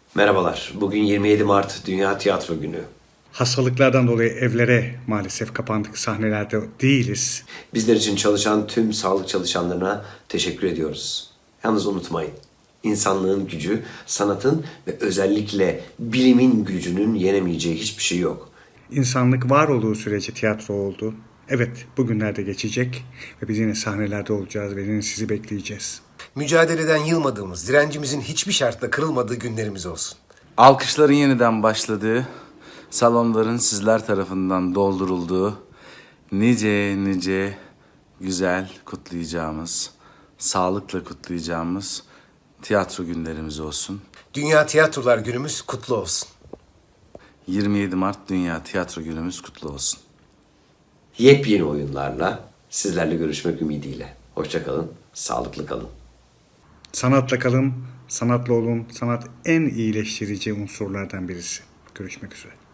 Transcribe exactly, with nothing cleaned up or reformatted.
Merhabalar. Bugün yirmi yedi Mart Dünya Tiyatro Günü. Hastalıklardan dolayı evlere maalesef kapandık, sahnelerde değiliz. Bizler için çalışan tüm sağlık çalışanlarına teşekkür ediyoruz. Yalnız unutmayın, insanlığın gücü, sanatın ve özellikle bilimin gücünün yenemeyeceği hiçbir şey yok. İnsanlık var olduğu sürece tiyatro oldu. Evet, bugünlerde geçecek ve biz yine sahnelerde olacağız ve yine sizi bekleyeceğiz. Mücadeleden yılmadığımız, direncimizin hiçbir şartla kırılmadığı günlerimiz olsun. Alkışların yeniden başladığı, salonların sizler tarafından doldurulduğu, nice nice güzel kutlayacağımız, sağlıkla kutlayacağımız tiyatro günlerimiz olsun. Dünya Tiyatrolar Günümüz kutlu olsun. yirmi yedi Mart Dünya Tiyatro Günümüz kutlu olsun. Yepyeni oyunlarla sizlerle görüşmek ümidiyle. Hoşça kalın, sağlıklı kalın. Sanatla kalın, sanatla olun. Sanat en iyileştirici unsurlardan birisi. Görüşmek üzere.